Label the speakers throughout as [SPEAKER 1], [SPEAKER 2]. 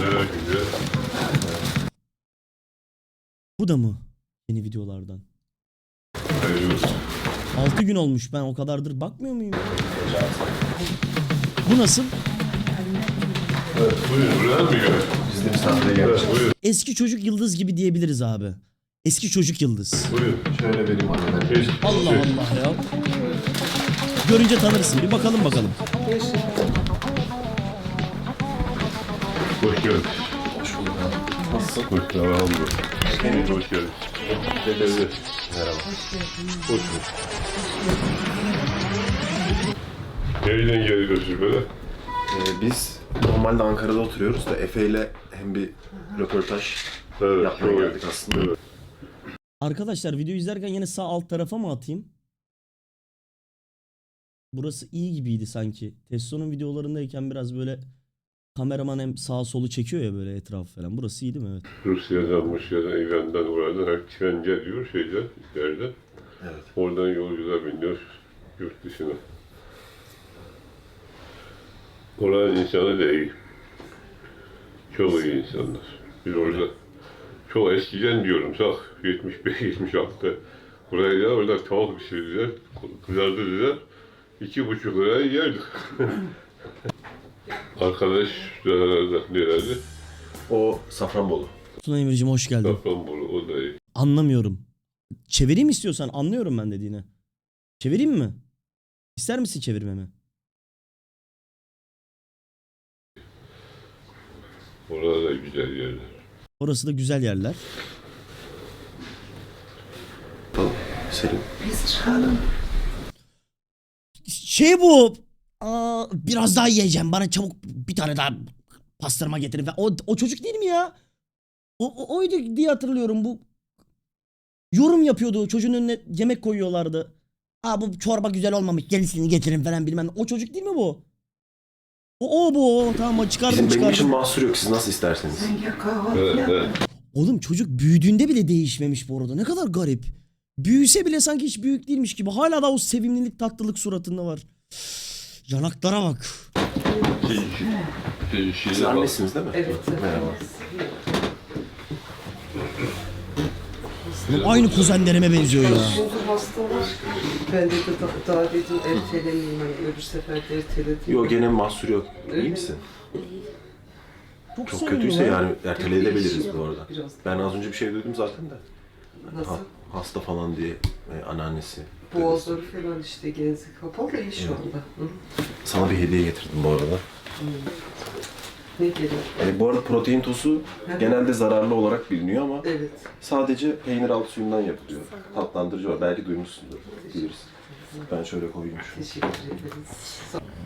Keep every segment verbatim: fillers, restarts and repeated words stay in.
[SPEAKER 1] Bu da mı? Yeni videolardan. altı gün olmuş, ben o kadardır bakmıyor muyum? Bu nasıl?
[SPEAKER 2] Evet, buyurun. Buraya mı gel?
[SPEAKER 3] Biz de misafire gelmişiz.
[SPEAKER 2] Evet, buyurun.
[SPEAKER 1] Eski çocuk yıldız gibi diyebiliriz abi. Eski çocuk yıldız.
[SPEAKER 2] Buyurun.
[SPEAKER 3] Şöyle vereyim anneden.
[SPEAKER 2] Geç,
[SPEAKER 1] Allah
[SPEAKER 2] geç.
[SPEAKER 1] Allah ya. Görünce tanırsın. Bir bakalım bakalım.
[SPEAKER 2] Hoş geldin.
[SPEAKER 3] Hoş bulduk. Nasılsın?
[SPEAKER 2] Hoş geldin. Elhamdülillah. Hoş geldin. Dedesi.
[SPEAKER 3] Merhaba.
[SPEAKER 2] Hoş bulduk. Nereden geliyorsun böyle?
[SPEAKER 3] Ee, biz normalde Ankara'da oturuyoruz da Efe ile hem bir röportaj
[SPEAKER 2] Evet,
[SPEAKER 3] yapmaya
[SPEAKER 2] çok
[SPEAKER 3] geldik
[SPEAKER 2] iyi.
[SPEAKER 3] aslında.
[SPEAKER 2] Evet.
[SPEAKER 1] Arkadaşlar video izlerken yine sağ alt tarafa mı atayım? Burası iyi gibiydi sanki. Testo'nun videolarındayken biraz böyle kameraman hem sağ solu çekiyor ya böyle etrafı falan. Burası iyi değil mi? Evet.
[SPEAKER 2] Rusya'dan, Rusya'dan, İran'dan, oradan her tren geliyor şeyden, yerden.
[SPEAKER 3] Evet.
[SPEAKER 2] Oradan yolcular biniyor yurt dışına. Oranın insanı da iyi. Çok iyi insanlar. Biz orada çok eskiden diyorum sak yetmiş beş yetmiş altı buraya da orada tavuk pişirdiler, kızartırdılar. İki buçuk liraya yerdik. Arkadaş da nerede?
[SPEAKER 3] O Safranbolu.
[SPEAKER 1] Tuna Emir'cim hoş geldin.
[SPEAKER 2] Safranbolu, o da iyi.
[SPEAKER 1] Anlamıyorum. Çevireyim istiyorsan, anlıyorum ben dediğini. Çevireyim mi? İster misin çevirmemi?
[SPEAKER 2] Orada da güzel yerler.
[SPEAKER 1] Orası da güzel yerler.
[SPEAKER 3] Tamam. Selim.
[SPEAKER 1] Şey bu. Aa, biraz daha yiyeceğim. Bana çabuk bir tane daha pastırma getirin. O, o çocuk değil mi ya? O, o oydu diye hatırlıyorum. Bu yorum yapıyordu. Çocuğun önüne yemek koyuyorlardı. Aa bu çorba güzel olmamış. Gerisini getirin falan bilmem. O çocuk değil mi bu? O, o bu. O. Tamam çıkardım
[SPEAKER 3] Bizim benim için
[SPEAKER 1] çıkardım.
[SPEAKER 3] mahsur yok. Siz nasıl isterseniz.
[SPEAKER 2] Evet, evet.
[SPEAKER 1] Oğlum çocuk büyüdüğünde bile değişmemiş bu arada. Ne kadar garip. Büyüse bile sanki hiç büyük değilmiş gibi. Hala da o sevimlilik, tatlılık suratında var. Yanaklara bak.
[SPEAKER 2] Şey, şey, şey,
[SPEAKER 3] Siz annesiniz değil mi?
[SPEAKER 4] Evet.
[SPEAKER 3] Merhaba.
[SPEAKER 1] Oğlum aynı kuzenlerime benziyor ya.
[SPEAKER 4] Şimdi hastalar. Ben de da- daha dedim ertelemeyeyim. Hani öbür sefer de erteledim.
[SPEAKER 3] Yok gene mahsur yok. İyi misin?
[SPEAKER 1] Çok,
[SPEAKER 3] Çok
[SPEAKER 1] sevimli
[SPEAKER 3] kötüyse
[SPEAKER 1] lan.
[SPEAKER 3] yani erteleyebiliriz bu arada.
[SPEAKER 4] Biraz.
[SPEAKER 3] Ben az önce bir şey duydum zaten de.
[SPEAKER 4] Nasıl?
[SPEAKER 3] Ha, hasta falan diye e, anneannesi.
[SPEAKER 4] Boğazları falan işte genzi kapalı iyi şu anda. Hı?
[SPEAKER 3] Sana bir hediye getirdim bu arada.
[SPEAKER 4] Ne geliyor?
[SPEAKER 3] E, bu arada protein tozu genelde zararlı olarak biliniyor ama
[SPEAKER 4] Evet.
[SPEAKER 3] sadece peynir altı suyundan yapılıyor. Tatlandırıcı var. Belki duymuşsundur. Bilirsin. Ben şöyle koyayım şunu.
[SPEAKER 4] Teşekkür ederiz.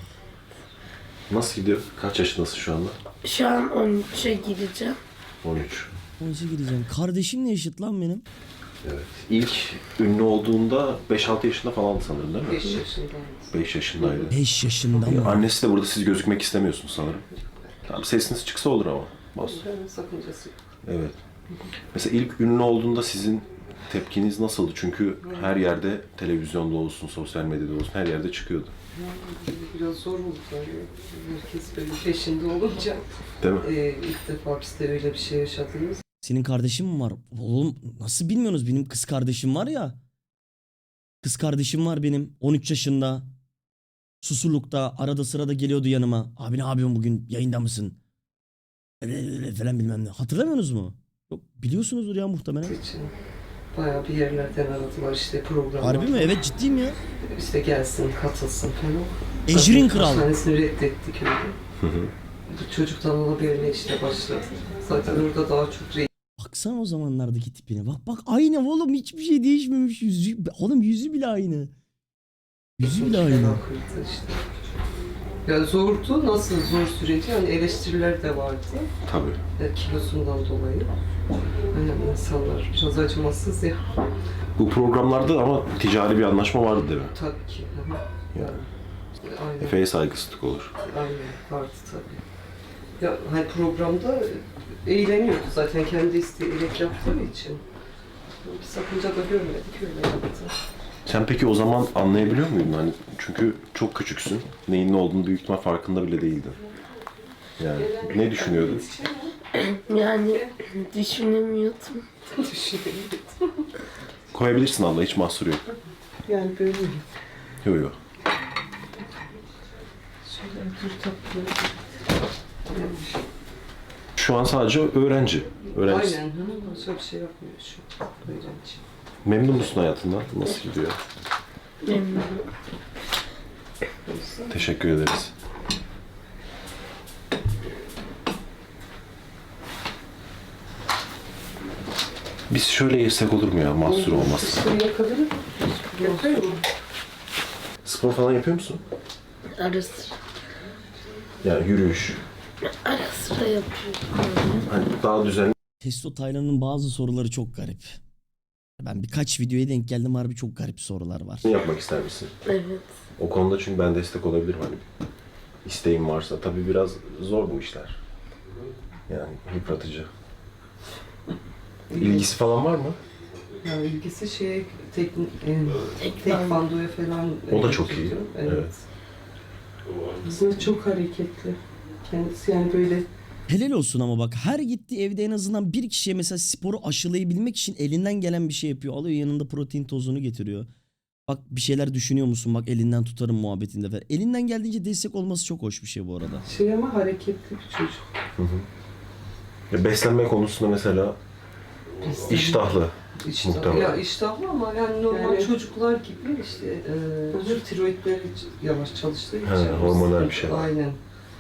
[SPEAKER 3] Nasıl gidiyor? Kaç yaşındasın şu anda?
[SPEAKER 5] Şu an on üçe gireceğim.
[SPEAKER 3] on üç.
[SPEAKER 1] Nasıl gideceğim? Kardeşimle eşit lan benim.
[SPEAKER 3] Evet. İlk ünlü olduğunda beş altı yaşında falandı sanırım değil mi?
[SPEAKER 4] beş yaşındayım.
[SPEAKER 3] beş yaşındaydı.
[SPEAKER 1] beş yaşında mı?
[SPEAKER 3] Annesi de burada, siz gözükmek istemiyorsunuz sanırım. Tamam, sesiniz çıksa olur ama. Bas.
[SPEAKER 4] Ben sakıncası yok.
[SPEAKER 3] Evet. Mesela ilk ünlü olduğunda sizin tepkiniz nasıldı? Çünkü her yerde, televizyonda olsun, sosyal medyada olsun, her yerde çıkıyordu.
[SPEAKER 4] Biraz zor oldu yani. Herkes böyle peşinde olunca
[SPEAKER 3] Değil mi?
[SPEAKER 4] e, ilk defa biz de öyle bir şey yaşadığımız.
[SPEAKER 1] Senin kardeşin mi var? Oğlum nasıl bilmiyorsunuz? Benim kız kardeşim var ya. Kız kardeşim var benim. on üç yaşında. Susurluk'ta arada sırada geliyordu yanıma. Abi ne yapıyorsun bugün? Yayında mısın? Öyle öyle falan bilmem ne. Hatırlamıyorsunuz mu? Yok biliyorsunuzdur ya muhtemelen.
[SPEAKER 4] için bayağı bir yerlerden aradılar işte programlar.
[SPEAKER 1] Harbi mi? Evet ciddiyim ya.
[SPEAKER 4] İşte gelsin, katılsın falan.
[SPEAKER 1] Ecrin
[SPEAKER 4] Zaten
[SPEAKER 1] Kral.
[SPEAKER 4] Hastanesini reddettik öyle. Bu çocuktan olabilene işte başladı. Zaten orada daha çok re-
[SPEAKER 1] Baksana o zamanlardaki tipine. Bak bak aynı oğlum hiçbir şey değişmemiş. Yüzü, oğlum yüzü bile aynı. Yüzü bile aynı.
[SPEAKER 4] fena kırdı işte. Ya zordu, nasıl zor süreci? Yani eleştiriler de vardı.
[SPEAKER 3] Tabii.
[SPEAKER 4] Yani kilosundan dolayı. Yani insanlar biraz acımasız ya.
[SPEAKER 3] Bu programlarda ama ticari bir anlaşma vardı değil mi?
[SPEAKER 4] Tabii ki. Hı hı.
[SPEAKER 3] Yani
[SPEAKER 4] Aynen.
[SPEAKER 3] Efe'ye saygısızlık olur.
[SPEAKER 4] Aynen vardı tabii. Ya hani programda eğleniyordu zaten kendi isteyerek yaptığı için. Bir sakınca da görmedik öyle yaptı.
[SPEAKER 3] Sen peki o zaman anlayabiliyor muydun? Hani çünkü çok küçüksün. Neyin ne olduğunu büyük ihtimal farkında bile değildin. Yani ne düşünüyordun?
[SPEAKER 4] Şey mi?
[SPEAKER 5] Yani düşünemiyordum.
[SPEAKER 4] Düşünemedim.
[SPEAKER 3] Koyabilirsin abla, hiç mahsur yok.
[SPEAKER 4] Yani böyle
[SPEAKER 3] Yok yok.
[SPEAKER 4] şöyle dur tatlı.
[SPEAKER 3] Şu an sadece öğrenci. Öğrenci.
[SPEAKER 4] Aynen. Hı, başka bir şey yapmıyor şu an. Öğrenci.
[SPEAKER 3] Memnun musun hayatından? Nasıl gidiyor?
[SPEAKER 5] Memnunum.
[SPEAKER 3] Teşekkür ederiz. Biz şöyle yesek olur mu ya? Mahsur olmazsa.
[SPEAKER 4] Şöyle yakabilir miyim? Yapıyor mu?
[SPEAKER 3] Spor falan yapıyor musun?
[SPEAKER 5] Ara sıra.
[SPEAKER 3] Yani yürüyüş.
[SPEAKER 5] Ara sıra yapıyorum.
[SPEAKER 3] Hani daha düzenli
[SPEAKER 1] Testo Taylan'ın bazı soruları çok garip. Ben birkaç videoya denk geldim, harbi çok garip sorular var.
[SPEAKER 3] yapmak ister misin?
[SPEAKER 5] Evet.
[SPEAKER 3] O konuda çünkü ben destek olabilirim hani. İsteğin varsa. Tabii biraz zor bu işler. Yani yıpratıcı. İlgisi falan var mı?
[SPEAKER 4] Yani ilgisi şeye tek, e,
[SPEAKER 5] Tek
[SPEAKER 4] tekvandoya falan.
[SPEAKER 3] O da çok iyi.
[SPEAKER 4] Evet.
[SPEAKER 3] Evet.
[SPEAKER 4] Aslında çok hareketli. Kendisi yani böyle
[SPEAKER 1] Helal olsun ama bak, her gittiği evde en azından bir kişiye mesela sporu aşılayabilmek için elinden gelen bir şey yapıyor. Alıyor yanında protein tozunu getiriyor. Bak bir şeyler düşünüyor musun? Bak elinden tutarım muhabbetinde falan. Elinden geldiğince destek olması çok hoş bir şey bu arada.
[SPEAKER 4] şey ama hareketli bir çocuk.
[SPEAKER 3] Ya beslenme konusunda mesela iştahlı.
[SPEAKER 4] İştahlı.
[SPEAKER 3] Muhtemelen.
[SPEAKER 4] Ya iştahlı ama yani normal
[SPEAKER 6] Yani-
[SPEAKER 4] çocuklar gibi işte e, tiroidleri yavaş çalıştığı için.
[SPEAKER 3] He, hormonal bir şey var.
[SPEAKER 4] Aynen.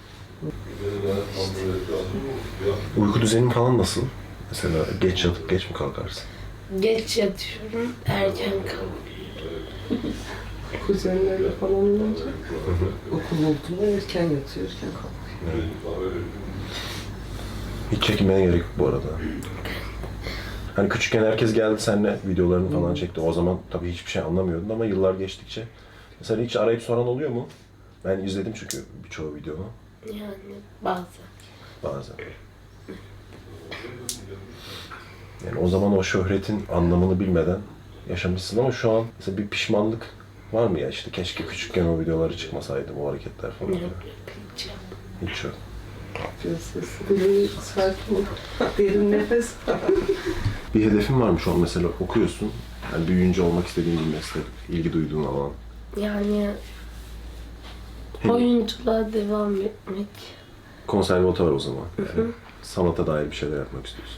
[SPEAKER 3] Uyku düzenin falan nasıl? Mesela geç yatıp geç mi kalkarsın?
[SPEAKER 5] Geç yatıyorum, erken kalkıyorum.
[SPEAKER 4] Kuzenlerle falan olunca okul olduğunda erken yatıyor, erken kalkıyor.
[SPEAKER 3] Hiç çekinmene gerek yok bu arada. Hani küçükken herkes geldi seninle videolarını falan çekti. O zaman tabii hiçbir şey anlamıyordun ama yıllar geçtikçe. Mesela hiç arayıp soran oluyor mu? Ben izledim çünkü birçoğu videonu
[SPEAKER 5] Yani bazen.
[SPEAKER 3] bazen. Yani o zaman o şöhretin anlamını bilmeden yaşamışsın ama şu an mesela bir pişmanlık var mı ya, işte keşke küçükken o videoları çıkmasaydı, bu hareketler falan.
[SPEAKER 5] Yok, hiç yok.
[SPEAKER 3] Hiç yok.
[SPEAKER 4] Biraz sesli, böyle sakin ol. Derin nefes.
[SPEAKER 3] Bir hedefin var mı şu an mesela, okuyorsun? Yani büyüyünce olmak istediğin bir meslek, ilgi duyduğun alan.
[SPEAKER 5] Yani oyunculuğa devam etmek.
[SPEAKER 3] Konservatuvar o zaman. Yani sanata dair bir şeyler yapmak istiyorsun.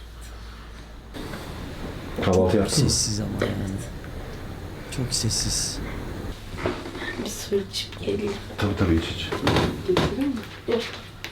[SPEAKER 3] Kahvaltı yaptın mı?
[SPEAKER 1] Sessiz ama yani. Çok sessiz.
[SPEAKER 5] Bir su içip geleyim.
[SPEAKER 3] Tabii tabii, hiç hiç.
[SPEAKER 4] Getirir mi?
[SPEAKER 5] Yok.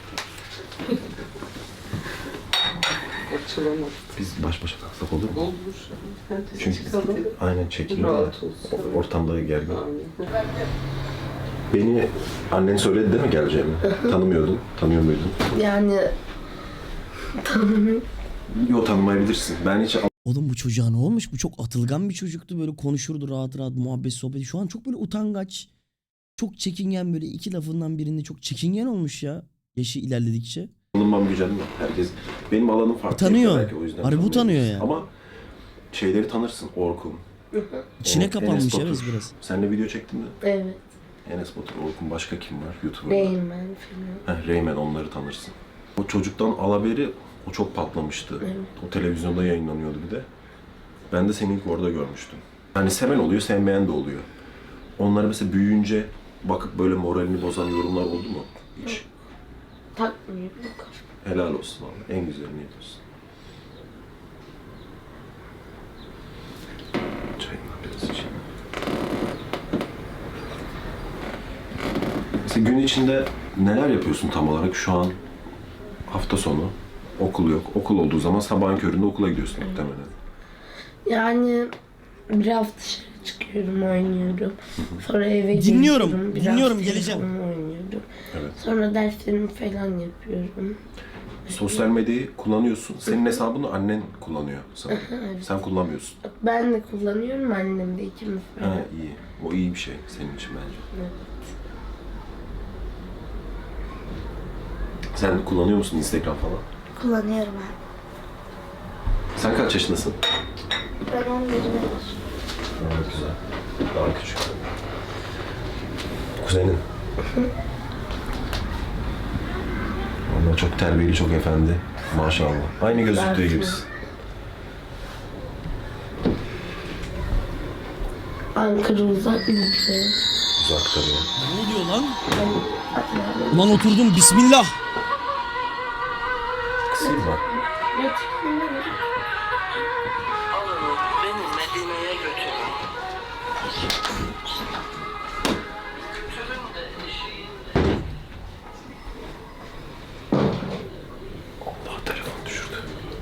[SPEAKER 4] Açılamadı.
[SPEAKER 3] Biz baş başa kalksak olur mu?
[SPEAKER 4] Olur. Hadi
[SPEAKER 3] Çünkü
[SPEAKER 4] çıkalım.
[SPEAKER 3] aynen çekiliyor ya.
[SPEAKER 4] Rahat olsun.
[SPEAKER 3] Ortamda gergin.
[SPEAKER 4] Aynen.
[SPEAKER 3] Beni annen söyledi değil mi geleceğimi? Tanımıyordun. Tanıyor muydun?
[SPEAKER 5] Yani tanımıyorum.
[SPEAKER 3] Yok, tanımayabilirsin. Ben hiç
[SPEAKER 1] Oğlum bu çocuğa ne olmuş? Bu çok atılgan bir çocuktu. Böyle konuşurdu rahat rahat, muhabbet sohbeti. Şu an çok böyle utangaç. Çok çekingen, böyle iki lafından birinde çok çekingen olmuş ya. Yaşı ilerledikçe.
[SPEAKER 3] tanınmam güzel mi? Herkes benim alanım farklı.
[SPEAKER 1] Tanıyor.
[SPEAKER 3] Belki o yüzden
[SPEAKER 1] Harbi bu
[SPEAKER 3] tanımıyor.
[SPEAKER 1] tanıyor yani.
[SPEAKER 3] Ama şeyleri tanırsın. Orkun.
[SPEAKER 1] İçine
[SPEAKER 3] o
[SPEAKER 1] kapanmış
[SPEAKER 3] Enes
[SPEAKER 1] evet
[SPEAKER 3] Batur.
[SPEAKER 1] biraz.
[SPEAKER 3] Seninle video çektin mi?
[SPEAKER 5] Evet.
[SPEAKER 3] Enes Batur, Orkun, başka kim var YouTube'da?
[SPEAKER 5] Reymen falan.
[SPEAKER 3] Heh, Reymen, onları tanırsın. O çocuktan Alaberi o çok patlamıştı.
[SPEAKER 5] Evet.
[SPEAKER 3] O televizyonda yayınlanıyordu bir de. Ben de seni ilk orada görmüştüm. Hani seven oluyor, sevmeyen de oluyor. Onları mesela büyüyünce bakıp böyle moralini bozan yorumlar oldu mu hiç?
[SPEAKER 5] Takmıyorum.
[SPEAKER 3] Helal olsun vallahi. En güzelini yapıyorsun. Çayından biraz içeyim. Mesela gün içinde neler yapıyorsun tam olarak? Şu an hafta sonu, okul yok. Okul olduğu zaman sabahın köründe okula gidiyorsun muhtemelen.
[SPEAKER 5] Yani biraz dışarı çıkıyorum, oynuyorum. Sonra eve
[SPEAKER 1] Dinliyorum,
[SPEAKER 5] geliyorum. Biraz
[SPEAKER 1] dinliyorum, geleceğim.
[SPEAKER 5] telefon oynuyorum.
[SPEAKER 3] Evet.
[SPEAKER 5] Sonra derslerimi falan yapıyorum.
[SPEAKER 3] Sosyal medyayı kullanıyorsun. Senin hesabını annen kullanıyor sanırım.
[SPEAKER 5] Evet.
[SPEAKER 3] Sen kullanmıyorsun.
[SPEAKER 5] Ben de kullanıyorum, annem de, ikimiz
[SPEAKER 3] Ha,
[SPEAKER 5] falan.
[SPEAKER 3] iyi. O iyi bir şey senin için bence.
[SPEAKER 5] Evet.
[SPEAKER 3] Sen kullanıyor musun Instagram falan?
[SPEAKER 5] Kullanıyorum abi.
[SPEAKER 3] Sen kaç yaşındasın?
[SPEAKER 5] Ben on birim.
[SPEAKER 3] Evet, güzel. Daha küçük. Kuzenin. Onlar çok terbiyeli, çok efendi. Maşallah. Aynı gözüktüğü gibisin.
[SPEAKER 5] Ankara uzak ülke.
[SPEAKER 3] Uzak tabii.
[SPEAKER 1] Ne oluyor lan?
[SPEAKER 5] Ben
[SPEAKER 1] Ulan oturdum bismillah.
[SPEAKER 3] Kısayım bak.
[SPEAKER 4] Alın beni Medine'ye götürün. Götürün de eşiğinde.
[SPEAKER 3] Allah telefon düşürdü.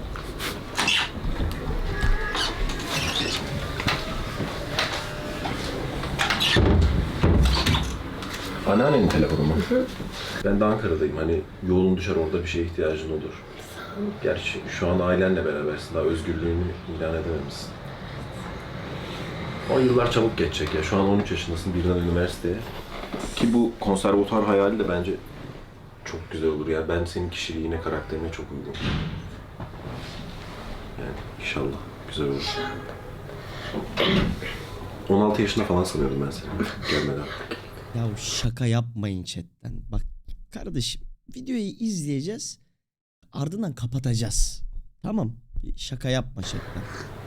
[SPEAKER 3] Anneannenin telefonu mu? Ben de Ankara'dayım. Hani yolun düşer, orada bir şeye ihtiyacın olur. Gerçi şu an ailenle berabersin. Daha özgürlüğünü ilan edememişsin. O yıllar çabuk geçecek ya. Şu an on üç yaşındasın, birden üniversiteye. Ki bu konservatuar hayali de bence çok güzel olur ya. Ben senin kişiliğine, karakterine çok uygun. Yani inşallah güzel olur. on altı yaşında falan sanıyordum ben seni gelmeden.
[SPEAKER 1] Ya şaka yapmayın chatten. Bak kardeşim videoyu izleyeceğiz. Ardından kapatacağız. Tamam. Şaka yapma chatten.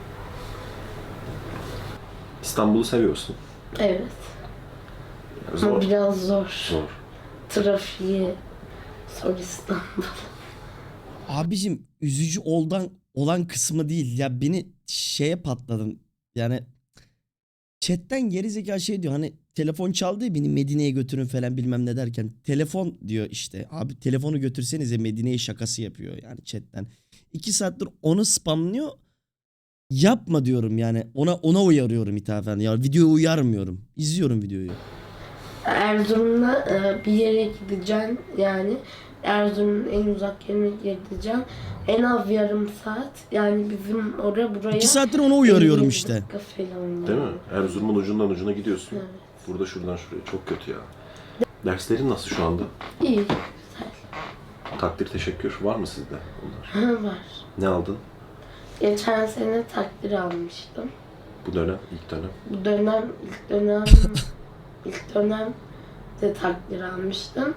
[SPEAKER 3] İstanbul'u seviyorsun.
[SPEAKER 5] Evet.
[SPEAKER 3] Yani
[SPEAKER 5] Ama
[SPEAKER 3] zor.
[SPEAKER 5] biraz zor.
[SPEAKER 3] Zor.
[SPEAKER 5] Trafiği. Zor İstanbul.
[SPEAKER 1] Abicim üzücü oldan olan kısmı değil. Ya beni şeye patladım. Yani chatten gerizekalı şey diyor. Hani telefon çaldı ya, beni Medine'ye götürün falan bilmem ne derken. Telefon diyor işte. Abi telefonu götürsenize Medine'ye şakası yapıyor yani chatten. İki saattir onu spamlıyor. Yapma diyorum yani. Ona ona uyarıyorum ithafen. Ya videoya uyarmıyorum. İzliyorum videoyu.
[SPEAKER 5] Erzurum'da e, bir yere gideceğim yani. Erzurum'un en uzak yerine gideceğim. En az yarım saat. Yani bizim oraya buraya...
[SPEAKER 1] İki saattir ona uyarıyorum
[SPEAKER 5] elli
[SPEAKER 1] işte.
[SPEAKER 5] dakika falan
[SPEAKER 3] Değil mi?
[SPEAKER 5] yani.
[SPEAKER 3] Erzurum'un ucundan ucuna gidiyorsun.
[SPEAKER 5] Evet.
[SPEAKER 3] Burada şuradan şuraya. Çok kötü ya. Derslerin nasıl şu anda?
[SPEAKER 5] İyi, güzel.
[SPEAKER 3] Takdir, teşekkür var mı sizde onlar?
[SPEAKER 5] Var.
[SPEAKER 3] Ne aldın
[SPEAKER 5] Geçen sene takdir almıştım.
[SPEAKER 3] bu dönem, ilk dönem?
[SPEAKER 5] Bu dönem, ilk dönem, ilk dönem de takdir almıştım.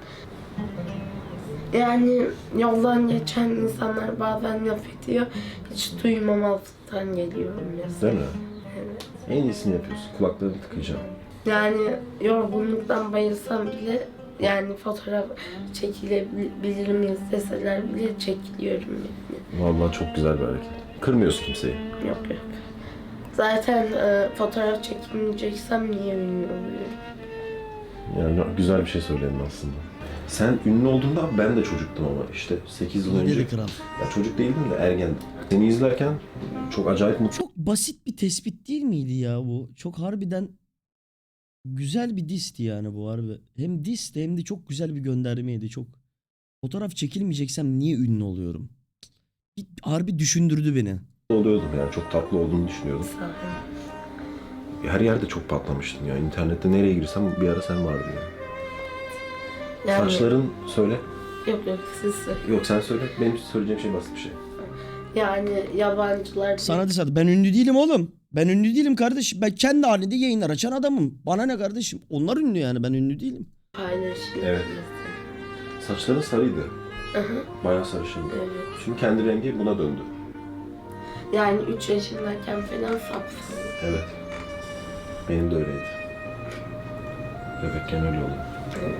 [SPEAKER 5] Yani yoldan geçen insanlar bazen laf ediyor. Hiç duymamazlıktan geliyorum mesela.
[SPEAKER 3] Değil mi?
[SPEAKER 5] Evet.
[SPEAKER 3] En iyisini yapıyorsun. Kulaklarını tıkayacağım.
[SPEAKER 5] Yani yorgunluktan bayılsam bile yani fotoğraf çekilebilir miyiz deseler bile çekiliyorum yani.
[SPEAKER 3] Vallahi çok güzel bir hareket. Kırmıyorsun kimseyi.
[SPEAKER 5] Yok yok. Zaten e, fotoğraf çekilmeyeceksem niye ünlü oluyorum?
[SPEAKER 3] Yani güzel bir şey söyledin aslında. Sen ünlü olduğunda ben de çocuktum ama işte sekiz yıl önce.
[SPEAKER 1] Dedi kral.
[SPEAKER 3] Ya çocuk değildim de ergendim. Seni izlerken çok acayip mutlu.
[SPEAKER 1] Çok basit bir tespit değil miydi ya bu? Çok harbiden güzel bir disti yani bu harbi. Hem disti hem de çok güzel bir göndermeydi. Çok fotoğraf çekilmeyeceksem niye ünlü oluyorum? Bir harbi düşündürdü beni.
[SPEAKER 3] oluyordum yani. Çok tatlı olduğunu düşünüyordum.
[SPEAKER 5] Sağ olun.
[SPEAKER 3] Her yerde çok patlamıştın ya. İnternette nereye girsem bir ara sen vardın ya.
[SPEAKER 5] Yani,
[SPEAKER 3] Saçların söyle.
[SPEAKER 5] Yok yok siz söyleyin.
[SPEAKER 3] Yok sen söyle. Benim söyleyeceğim şey basit bir şey.
[SPEAKER 5] Yani yabancılar...
[SPEAKER 1] Sana desat ben ünlü değilim oğlum. Ben ünlü değilim kardeşim. Ben kendi halinde yayınlar açan adamım. Bana ne kardeşim? Onlar ünlü yani, ben ünlü değilim.
[SPEAKER 5] Paylaşıyor.
[SPEAKER 3] Evet. Saçların sarıydı.
[SPEAKER 5] Hı hı.
[SPEAKER 3] Bayağı sarışındı.
[SPEAKER 5] Evet.
[SPEAKER 3] Şimdi kendi rengi buna döndü.
[SPEAKER 5] Yani üç yaşındayken falan sapsın.
[SPEAKER 3] Evet. Benim de öyleydi. Bebekken öyle oluyor.
[SPEAKER 5] Evet.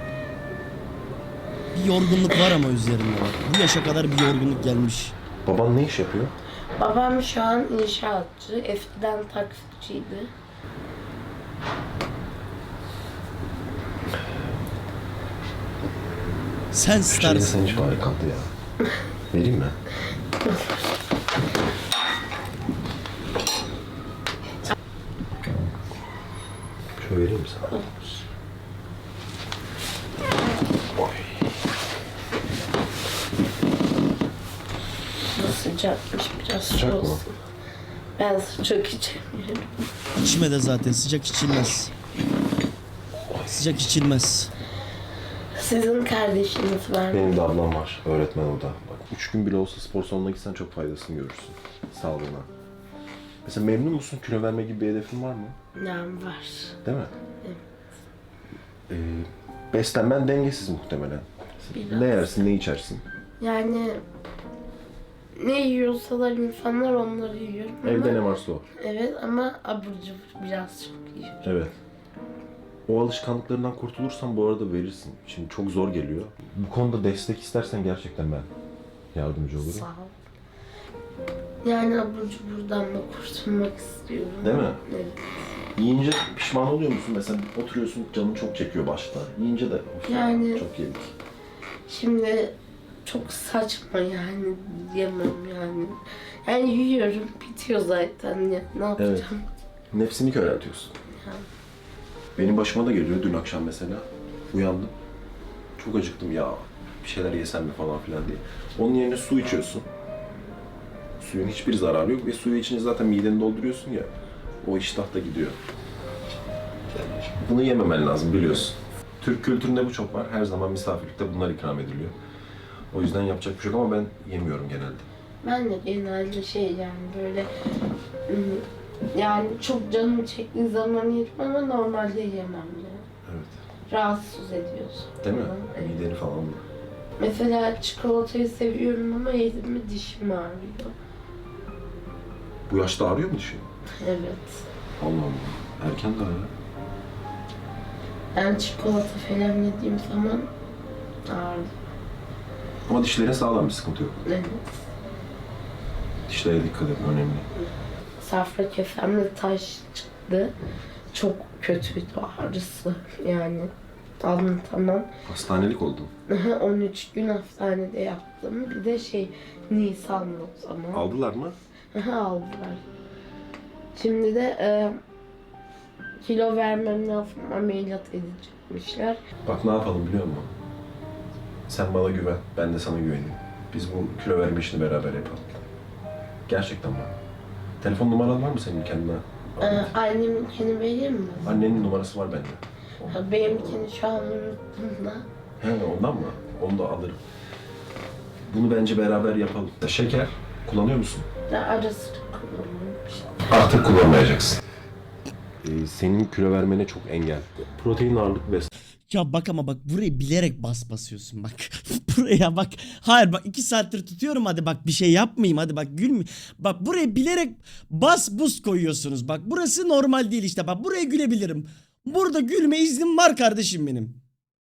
[SPEAKER 1] Bir yorgunluk var ama üzerimde bak. Bu yaşa kadar bir yorgunluk gelmiş.
[SPEAKER 3] Baban ne iş yapıyor?
[SPEAKER 5] Babam şu an inşaatçı. Eskiden taksiciydi.
[SPEAKER 1] Sen
[SPEAKER 3] Şeyde
[SPEAKER 1] starsın.
[SPEAKER 3] sen hiç bari kaldı ya. Vereyim mi? Şöyle vereyim mi sana? Oy.
[SPEAKER 5] Sıcakmış biraz
[SPEAKER 3] Sıcak
[SPEAKER 5] su
[SPEAKER 3] mı?
[SPEAKER 5] olsun. Ben sıcak içemiyorum.
[SPEAKER 1] İçme de zaten, sıcak içilmez. Sıcak içilmez.
[SPEAKER 5] Sizin kardeşiniz var mı?
[SPEAKER 3] Benim de ablam var. Öğretmen o da. Bak üç gün bile olsa spor salonuna gitsen çok faydasını görürsün. Sağlığına. Mesela memnun musun? Kilo verme gibi bir hedefin var mı?
[SPEAKER 5] Nem var.
[SPEAKER 3] Değil mi? Ee, beslenmen dengesiz muhtemelen.
[SPEAKER 5] Biraz.
[SPEAKER 3] Ne yersin, ne içersin?
[SPEAKER 5] Yani ne yiyorsalar insanlar onları yiyorum.
[SPEAKER 3] Evde
[SPEAKER 5] ama,
[SPEAKER 3] ne varsa o.
[SPEAKER 5] Evet ama abur cubur biraz çok yiyorum.
[SPEAKER 3] Evet. O alışkanlıklarından kurtulursan bu arada verirsin. Şimdi çok zor geliyor. Bu konuda destek istersen gerçekten ben yardımcı olurum.
[SPEAKER 5] Sağ ol. Yani abur cuburdan da kurtulmak istiyorum.
[SPEAKER 3] Değil mi?
[SPEAKER 5] Evet.
[SPEAKER 3] Yiyince pişman oluyor musun? Mesela oturuyorsun, canın çok çekiyor başta. Yiyince de of,
[SPEAKER 5] Yani-
[SPEAKER 3] çok yedik.
[SPEAKER 5] Şimdi çok saçma yani yemem yani. Yani yiyorum bitiyor zaten ya ne yapacağım?
[SPEAKER 3] Evet. Nefsini köreltiyorsun.
[SPEAKER 5] Ya.
[SPEAKER 3] Benim başıma da geliyor dün akşam mesela. Uyandım. Çok acıktım ya. Bir şeyler yesem mi falan filan diye. Onun yerine su içiyorsun. Suyun hiçbir zararı yok ve suyu içince zaten mideni dolduruyorsun ya. O iştah da gidiyor. Bunu yememen lazım biliyorsun. Türk kültüründe bu çok var. Her zaman misafirlikte bunlar ikram ediliyor. O yüzden yapacak bir şey yok ama ben yemiyorum genelde.
[SPEAKER 5] Ben de genelde şey yani böyle ım, yani çok canım çektiği zaman yerim ama normalde yemem yani.
[SPEAKER 3] Evet.
[SPEAKER 5] Rahatsız ediyorsun.
[SPEAKER 3] Değil mi?
[SPEAKER 5] Evet.
[SPEAKER 3] Mideni falan.
[SPEAKER 5] Mesela çikolatayı seviyorum ama yedim mi dişim ağrıyor.
[SPEAKER 3] Bu yaşta ağrıyor mu dişin?
[SPEAKER 5] Evet.
[SPEAKER 3] Allah Allah. Erken daha ya.
[SPEAKER 5] Ben çikolata falan yediğim zaman ağrıyor.
[SPEAKER 3] Ama dişlerin sağlam, bir sıkıntı yok.
[SPEAKER 5] Evet.
[SPEAKER 3] Dişlere dikkat edin, önemli.
[SPEAKER 5] Safra kesemde taş çıktı. Çok kötüydü ağrısı yani. Anlatamam.
[SPEAKER 3] Hastanelik oldun.
[SPEAKER 5] on üç gün hastanede yattım. Bir de şey Nisan'da o zaman.
[SPEAKER 3] Aldılar mı?
[SPEAKER 5] Aldılar. Şimdi de e, kilo vermem lazım. Ameliyat edecekmişler.
[SPEAKER 3] Bak ne yapalım biliyor musun? Sen bana güven, ben de sana güveneyim. Biz bu kilo verme işini beraber yapalım. Gerçekten bak. Telefon numaran var mı senin kendine?
[SPEAKER 5] E, anneminkini vereyim mi?
[SPEAKER 3] Annenin numarası var bende.
[SPEAKER 5] Ha, benimkini şu an unuttum da.
[SPEAKER 3] He ondan mı? Onu da alırım. Bunu bence beraber yapalım. Şeker kullanıyor musun?
[SPEAKER 5] Ya ara sıra kullanıyorum işte.
[SPEAKER 3] Artık kullanmayacaksın. Ee, senin kilo vermene çok engel. Protein ağırlık besle.
[SPEAKER 1] Ya bak ama bak burayı bilerek bas basıyorsun bak. Buraya bak. Hayır bak iki saattir tutuyorum hadi bak bir şey yapmayayım hadi bak gülme. Bak buraya bilerek bas buz koyuyorsunuz. Bak burası normal değil işte bak buraya gülebilirim. Burada gülme iznim var kardeşim benim.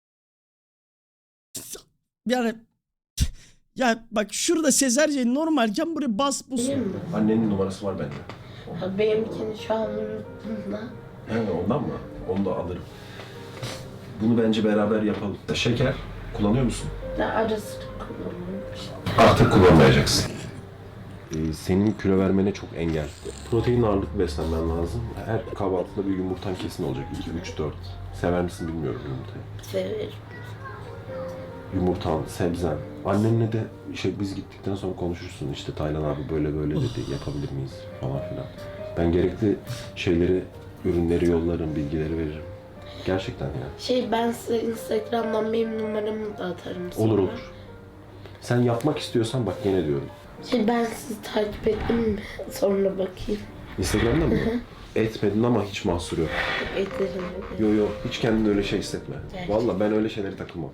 [SPEAKER 1] Yani ya bak şurada sezerce normalken buraya bas buz.
[SPEAKER 5] Vereyim mi?
[SPEAKER 3] Annenin numarası var bende.
[SPEAKER 5] Ha, benimkini şu an unuttum da.
[SPEAKER 3] He ondan mı? Onu da alırım. Bunu bence beraber yapalım. Şeker kullanıyor musun?
[SPEAKER 5] Ya ara sıra kullanıyorum işte.
[SPEAKER 3] Artık kullanmayacaksın. Ee, senin kilo vermene çok engel. Protein ağırlık beslenmen lazım. Her kahvaltıda bir yumurtan kesin olacak. iki, üç, dört. Sever misin bilmiyorum yumurtayı.
[SPEAKER 5] Severim.
[SPEAKER 3] Yumurtan, sebzen. Annenle de şey, biz gittikten sonra konuşursun. İşte Taylan abi böyle böyle dedi. Yapabilir miyiz falan filan. Ben gerekli şeyleri, ürünleri yollarım, bilgileri veririm. Gerçekten ya.
[SPEAKER 5] Şey ben size Instagram'dan benim numaramı da atarım sonra.
[SPEAKER 3] Olur olur. Sen yapmak istiyorsan bak gene diyorum.
[SPEAKER 5] Şey ben sizi takip ettim mi? Sonra bakayım.
[SPEAKER 3] Instagram'da mı? Etmedin ama hiç mahsur yok.
[SPEAKER 5] Ederim ederim.
[SPEAKER 3] Yo yo hiç kendini öyle şey hissetme.
[SPEAKER 5] Gerçekten.
[SPEAKER 3] Vallahi ben öyle şeyleri takılmam.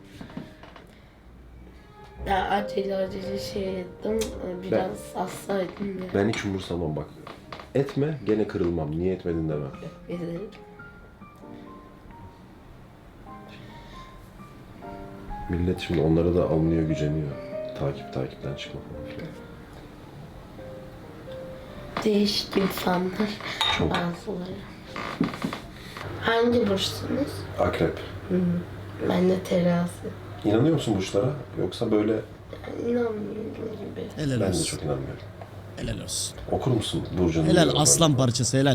[SPEAKER 5] Ya acele acele şey ettim. Biraz hastaydım ya.
[SPEAKER 3] Ben hiç umursamam bak. Etme gene kırılmam. Niye etmedin demem.
[SPEAKER 5] Ederim.
[SPEAKER 3] Millet şimdi onlara da alınıyor, güceniyor. Takip takipten çıkma falan filan.
[SPEAKER 5] Değişik insanlar.
[SPEAKER 3] Çok.
[SPEAKER 5] Bazıları. Hangi burçsunuz?
[SPEAKER 3] Akrep.
[SPEAKER 5] Ben de terazi.
[SPEAKER 3] İnanıyor musun burçlara? Yoksa böyle
[SPEAKER 5] Yani inanmıyorum gibi.
[SPEAKER 1] Helal
[SPEAKER 3] ben de
[SPEAKER 1] olsun.
[SPEAKER 3] çok inanmıyorum.
[SPEAKER 1] Helal olsun.
[SPEAKER 3] Okur musun burcunu?
[SPEAKER 1] Helal aslan parçası helal.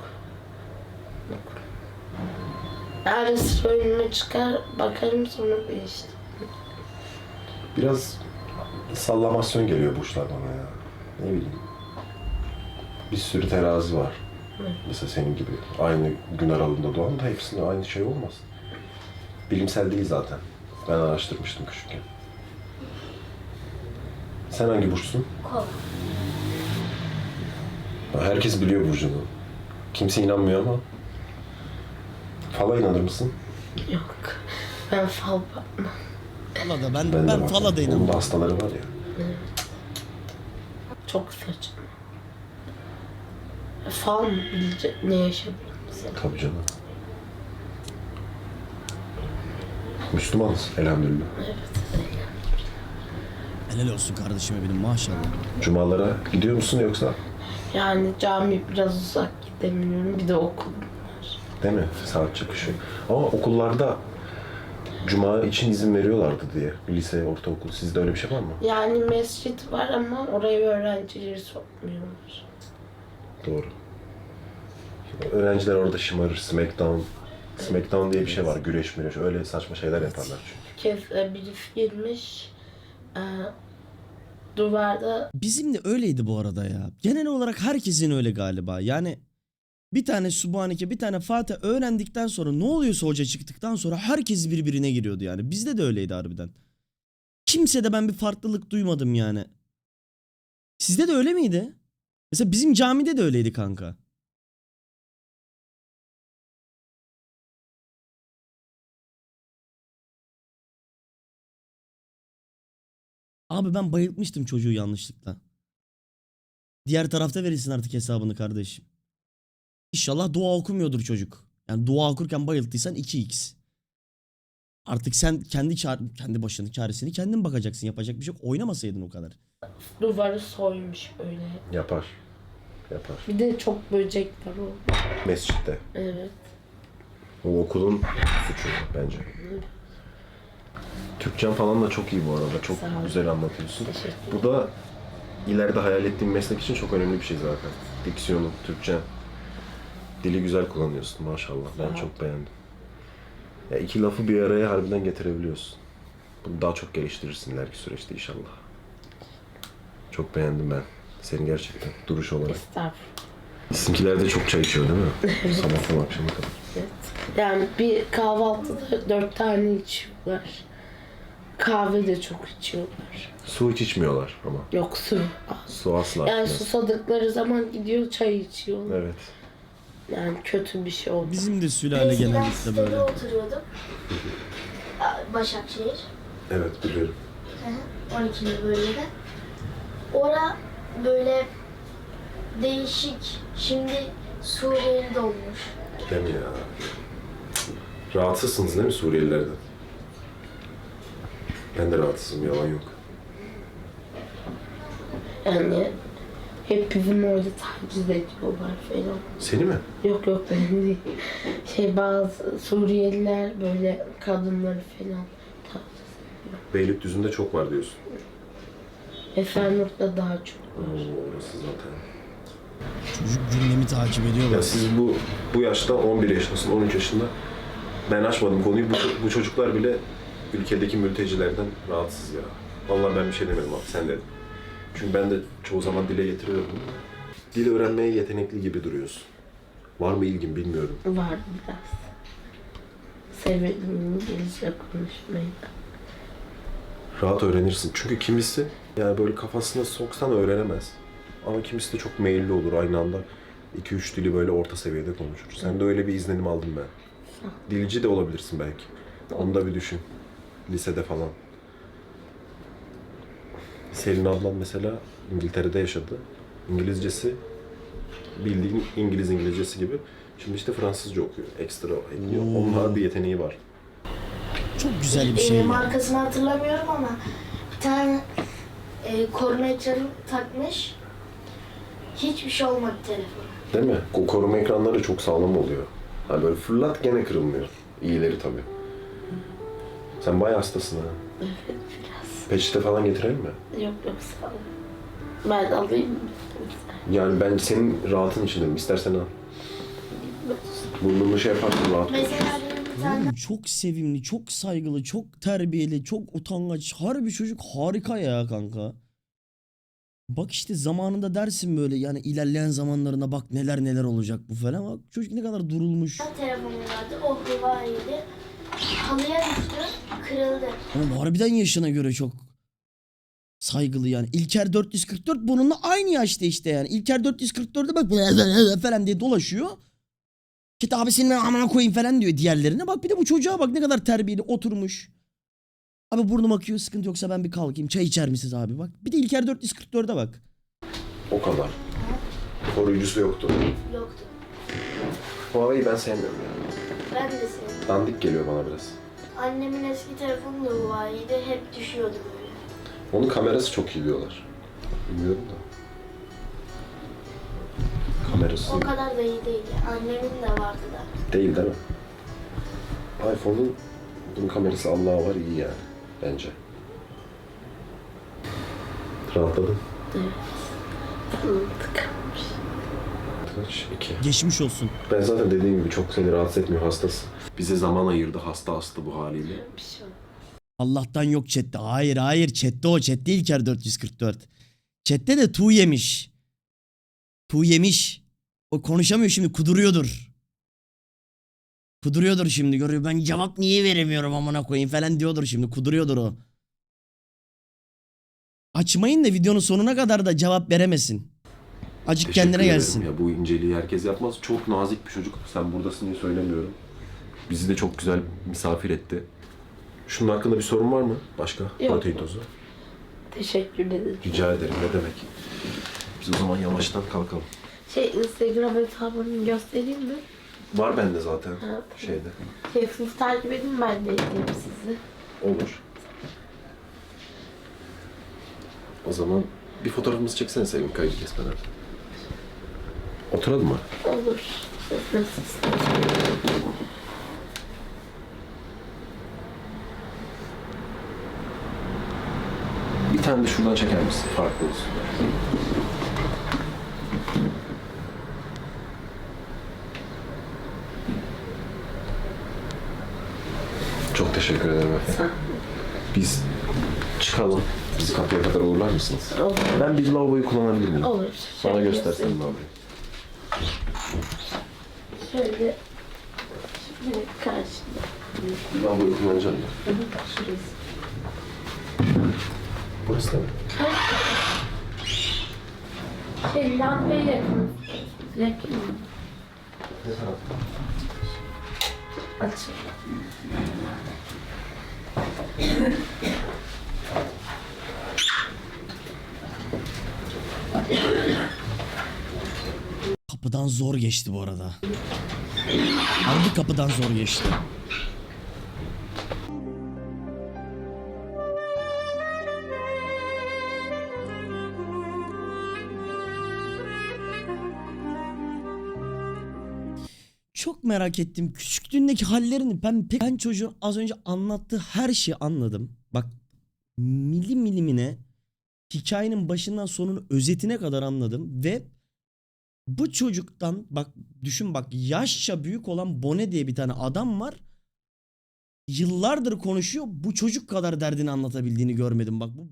[SPEAKER 5] Ara sıra önüme çıkar, bakarım sonra değişti.
[SPEAKER 3] Biraz sallamasyon geliyor burçlar bana ya. Ne bileyim. Bir sürü terazi var. Mesela senin gibi aynı gün aralığında doğan da hepsinde aynı şey olmaz. Bilimsel değil zaten. Ben araştırmıştım küçükken. Sen hangi burçsun?
[SPEAKER 5] Kova.
[SPEAKER 3] Herkes biliyor burcunu. Kimse inanmıyor ama. Fala inanır mısın?
[SPEAKER 5] Yok. Ben fal bakmam.
[SPEAKER 1] Fala da ben
[SPEAKER 3] Ben,
[SPEAKER 1] ben,
[SPEAKER 3] de
[SPEAKER 1] fala da
[SPEAKER 3] Onun da
[SPEAKER 1] inanmam.
[SPEAKER 3] hastaları var ya.
[SPEAKER 5] Çok saçma. Fal mı bilecek ne yaşadığımızı?
[SPEAKER 3] Tabii canım. Müslümanız elhamdülillah.
[SPEAKER 5] Evet.
[SPEAKER 1] Helal olsun kardeşime benim maşallah.
[SPEAKER 3] Cumalara gidiyor musun yoksa?
[SPEAKER 5] Yani cami biraz uzak gidemiyorum. Bir de okul var.
[SPEAKER 3] Değil mi? Saat çıkışı. Ama okullarda Cuma için izin veriyorlardı diye. Lise, ortaokul. Sizde öyle bir şey var mı?
[SPEAKER 5] Yani mescit var ama oraya öğrencileri sokmuyorlar.
[SPEAKER 3] Doğru. Öğrenciler orada şımarır. Smackdown. Smackdown diye bir şey var. Güreş müreş. Öyle saçma şeyler yaparlar çünkü.
[SPEAKER 5] Bir kez e, birisi girmiş. E, duvarda
[SPEAKER 1] Bizim de öyleydi bu arada ya. Genel olarak herkesin öyle galiba. Yani bir tane Subhaneke, bir tane Fatih öğrendikten sonra ne oluyorsa hoca çıktıktan sonra herkes birbirine giriyordu yani. Bizde de öyleydi harbiden. Kimsede ben bir farklılık duymadım yani. Sizde de öyle miydi? Mesela bizim camide de öyleydi kanka. Abi ben bayıltmıştım çocuğu yanlışlıkla. Diğer tarafta verirsin artık hesabını kardeşim. İnşallah dua okumuyordur çocuk. Yani dua okurken bayılttıysan iki x. Artık sen kendi çar kendi başının çaresini kendin bakacaksın. Yapacak bir şey yok. Oynamasaydın o kadar.
[SPEAKER 5] duvarı soymuş böyle.
[SPEAKER 3] Yapar. Yapar.
[SPEAKER 5] Bir de çok böcek var orada.
[SPEAKER 3] Mescitte.
[SPEAKER 5] Evet.
[SPEAKER 3] O okulun suçu bence. Türkçen falan da çok iyi bu arada. Çok
[SPEAKER 5] Sağ ol.
[SPEAKER 3] güzel anlatıyorsun.
[SPEAKER 5] Teşekkür
[SPEAKER 3] Bu da ileride hayal ettiğim meslek için çok önemli bir şey zaten. Diksiyonun, Türkçen. Dili güzel kullanıyorsun maşallah. Ben
[SPEAKER 5] Sağ ol.
[SPEAKER 3] çok beğendim. Ya iki lafı bir araya harbiden getirebiliyorsun. Bunu daha çok geliştirirsin ileriki süreçte inşallah. Çok beğendim ben. Seni gerçekten duruş olarak.
[SPEAKER 5] Estağfurullah.
[SPEAKER 3] Sizinkiler de çok çay içiyor değil mi? Sabahtan akşama kadar.
[SPEAKER 5] Evet. Yani bir kahvaltıda dört tane içiyorlar. Kahve de çok içiyorlar.
[SPEAKER 3] Su hiç içmiyorlar ama.
[SPEAKER 5] Yok su.
[SPEAKER 3] Su asla
[SPEAKER 5] Yani
[SPEAKER 3] içmez.
[SPEAKER 5] susadıkları zaman gidiyor çay içiyorlar.
[SPEAKER 3] Evet.
[SPEAKER 5] Yani kötü bir şey oldu.
[SPEAKER 1] Bizim de sülale
[SPEAKER 6] Eskiden
[SPEAKER 1] genellikle
[SPEAKER 6] sitede
[SPEAKER 1] böyle.
[SPEAKER 6] oturuyordum. Başakşehir.
[SPEAKER 3] Evet biliyorum.
[SPEAKER 6] Hı hı, on ikinci bölgede. Ora böyle değişik. Şimdi Suriyeli dolmuş.
[SPEAKER 3] Değil mi ya? Rahatsızsınız değil mi Suriyelilerden? Ben de rahatsızım, yalan yok.
[SPEAKER 5] Yani hep bizim orada taciz ediyorlar falan.
[SPEAKER 3] Seni mi?
[SPEAKER 5] Yok yok benim değil. Şey bazı Suriyeliler böyle kadınları falan taciz ediyor.
[SPEAKER 3] Beylikdüzü'nde çok var diyorsun.
[SPEAKER 5] Esenurt'ta daha çok
[SPEAKER 3] Oo,
[SPEAKER 5] var.
[SPEAKER 3] orası zaten.
[SPEAKER 1] Çocuk gündemi takip ediyor.
[SPEAKER 3] Ya
[SPEAKER 1] bak.
[SPEAKER 3] siz bu bu yaşta on bir yaşındasın, on üç yaşında. Ben açmadım konuyu. Bu, bu çocuklar bile ülkedeki mültecilerden rahatsız ya. Vallahi ben bir şey demedim abi, sen dedin. Çünkü ben de çoğu zaman dile getiriyorum. Dil öğrenmeye yetenekli gibi duruyorsun. Var mı ilgin bilmiyorum.
[SPEAKER 5] Var biraz. Severim İngilizce konuşmayı da.
[SPEAKER 3] Rahat öğrenirsin. Çünkü kimisi yani böyle kafasına soksan öğrenemez. Ama kimisi de çok meyilli olur aynı anda. iki üç dili böyle orta seviyede konuşur. Sen de öyle bir izlenim aldım ben. Dilci de olabilirsin belki. Onu da bir düşün. Lisede falan. Selin ablam mesela İngiltere'de yaşadı. İngilizcesi bildiğin İngiliz İngilizcesi gibi. Şimdi işte Fransızca okuyor. Ekstra ekliyor.
[SPEAKER 1] Oo.
[SPEAKER 3] Onun bir yeteneği var.
[SPEAKER 1] Çok güzel bir
[SPEAKER 6] Ee,
[SPEAKER 1] şey ya.
[SPEAKER 6] markasını hatırlamıyorum ama bir tane e, koruma ekranı takmış. Hiçbir şey olmadı telefon.
[SPEAKER 3] Değil mi? O koruma ekranları çok sağlam oluyor. Hani böyle fırlat gene kırılmıyor. İyileri tabii. Sen bayağı hastasın ha.
[SPEAKER 5] Evet biraz.
[SPEAKER 3] Peçete falan getirelim mi?
[SPEAKER 5] Yok yok sağ ol. Ben alayım mı?
[SPEAKER 3] Yani ben senin rahatın için dedim. İstersen al. Burnunu şey yaparsın rahat
[SPEAKER 6] Mesela
[SPEAKER 3] konuşursun.
[SPEAKER 6] benim bir tane
[SPEAKER 1] Oğlum çok sevimli, çok saygılı, çok terbiyeli, çok utangaç. Harbi çocuk harika ya kanka. Bak işte zamanında dersin böyle yani ilerleyen zamanlarında bak neler neler olacak bu falan. Bak çocuk ne kadar durulmuş.
[SPEAKER 6] telefonum vardı. O Huawei'ydi. Halıya düştü. Kırıldı.
[SPEAKER 1] Ama harbiden yaşına göre çok saygılı yani. İlker dört yüz kırk dört bununla aynı yaşta işte yani. İlker dört yüz kırk dörtte bak falan diye dolaşıyor. Git abi senin amına koyayım falan diyor diğerlerine. Bak bir de bu çocuğa bak ne kadar terbiyeli oturmuş. Abi burnum akıyor sıkıntı yoksa ben bir kalkayım. Çay içer misiniz abi bak. Bir de İlker dört yüz kırk dörde bak.
[SPEAKER 3] O kadar. Koruyucusu yoktu.
[SPEAKER 6] Yoktu.
[SPEAKER 3] Huawei'yi ben sevmiyorum yani.
[SPEAKER 6] Ben de sevdim.
[SPEAKER 3] Dandik geliyor bana biraz.
[SPEAKER 6] Annemin eski telefonu da Huawei'ydi. Hep düşüyordu böyle.
[SPEAKER 3] Onun kamerası çok iyi diyorlar. Bilmiyorum da. Kamerası
[SPEAKER 6] O kadar da iyi değil. Annemin de vardı da.
[SPEAKER 3] değil değil mi? iPhone'un bunun kamerası Allah'a var iyi yani. Bence. Rahatladın.
[SPEAKER 5] Tıkanmış.
[SPEAKER 3] Kaç? İki.
[SPEAKER 1] Geçmiş olsun.
[SPEAKER 3] Ben zaten dediğim gibi çok seni rahatsız etmiyor hastası. Bize zaman ayırdı hasta hasta bu haliyle.
[SPEAKER 5] Bir şey olmaz.
[SPEAKER 1] Allah'tan yok chatte. Hayır hayır chatte o. Chatte İlker dört yüz kırk dört. Chatte de tu yemiş. Tu yemiş. O konuşamıyor şimdi kuduruyordur. Kuduruyordur şimdi görüyor. Ben cevap niye veremiyorum amına koyayım falan diyordur şimdi. Kuduruyordur o. Açmayın da videonun sonuna kadar da cevap veremesin. Acık
[SPEAKER 3] Teşekkür
[SPEAKER 1] kendine
[SPEAKER 3] ederim
[SPEAKER 1] gelsin.
[SPEAKER 3] Ya, bu inceliği herkes yapmaz. Çok nazik bir çocuk. Sen buradasın diye söylemiyorum. Bizi de çok güzel misafir etti. Şunun hakkında bir sorun var mı? Başka? Protein tozu.
[SPEAKER 5] Teşekkür ederim.
[SPEAKER 3] Rica ederim. Ne demek? Biz o zaman yavaştan kalkalım.
[SPEAKER 5] Şey Instagram hesabını göstereyim mi?
[SPEAKER 3] Var bende zaten.
[SPEAKER 5] Ha.
[SPEAKER 3] Şeyde.
[SPEAKER 5] Şey, siz takip edin ben de edeyim sizi.
[SPEAKER 3] Olur. O zaman bir fotoğrafımızı çeksene Sevim kaydı kesmeden. Oturalım mı?
[SPEAKER 5] Olur. Siz nasıl isterseniz.
[SPEAKER 3] Bir tane de şuradan çeker misin? Farklı olsun. Çok teşekkür ederim efendim. Biz çıkalım. Bizi kapıya kadar uğurlar mısınız?
[SPEAKER 5] Olur.
[SPEAKER 3] Ben bir lavaboyu kullanabilir miyim?
[SPEAKER 5] Olur.
[SPEAKER 3] Bana
[SPEAKER 5] Şöyle
[SPEAKER 3] göstersen
[SPEAKER 5] göstereyim.
[SPEAKER 3] lavaboyu.
[SPEAKER 5] Şöyle. Şöyle karşıda.
[SPEAKER 3] Lavaboyu kullanacağım mı?
[SPEAKER 5] Şurası.
[SPEAKER 3] Burası da mı?
[SPEAKER 5] Şey lambaya yakın. Yakın.
[SPEAKER 3] Ne tarafta?
[SPEAKER 5] Açık.
[SPEAKER 1] Kapıdan zor geçti bu arada. Harbi kapıdan zor geçti. Çok merak ettim. Küçüklüğündeki hallerini ben pek ben çocuğun az önce anlattığı her şeyi anladım. Bak milim milimine hikayenin başından sonunu özetine kadar anladım ve bu çocuktan bak düşün bak yaşça büyük olan Bone diye bir tane adam var. Yıllardır konuşuyor. Bu çocuk kadar derdini anlatabildiğini görmedim. Bak bu